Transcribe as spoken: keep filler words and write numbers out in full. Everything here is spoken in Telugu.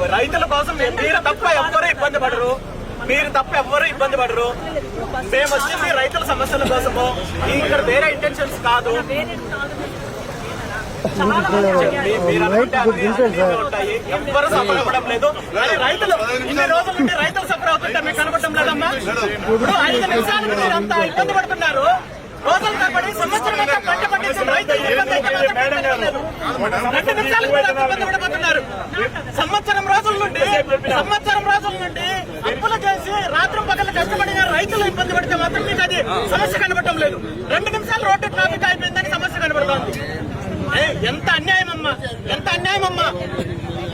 రైతుల కోసం మీరు తప్ప ఎవ్వరూ ఇబ్బంది పడరు, మీరు తప్ప ఎవ్వరూ ఇబ్బంది పడరు. మేము వచ్చింది రైతుల సమస్యల కోసము, ఇక్కడ వేరే ఇంటెన్షన్స్ కాదు. మీరు అనుకుంటే ఉంటాయి, ఎవ్వరూ సఫర్ అవ్వడం లేదు. కానీ రైతులు ఇన్ని రోజుల నుండి రైతులు సఫర్ అవుతుంటే మీకు కనబడటం లేదమ్మా. ఇప్పుడు ఐదు నిమిషాలకు మీరు అంత ఇబ్బంది పడుతున్నారు. రోజులు తప్పటి సంవత్సరం అంతా పంట పండించిన రైతులు రెండు నిమిషాలకు కూడా ఇబ్బంది పడిపోతున్నారు. సంవత్సరం రోజుల నుండి సంవత్సరం రోజుల నుండి అప్పులు చేసి రాత్రి పగలు కష్టపడిన రైతులు ఇబ్బంది పడితే మాత్రం మీకు అది సమస్య కనబడటం లేదు. రెండు నిమిషాలు రోడ్డు ట్రాఫిక్ అయిపోయిందని సమస్య కనబడుతోంది. ఎంత అన్యాయం అమ్మా, ఎంత అన్యాయం అమ్మా.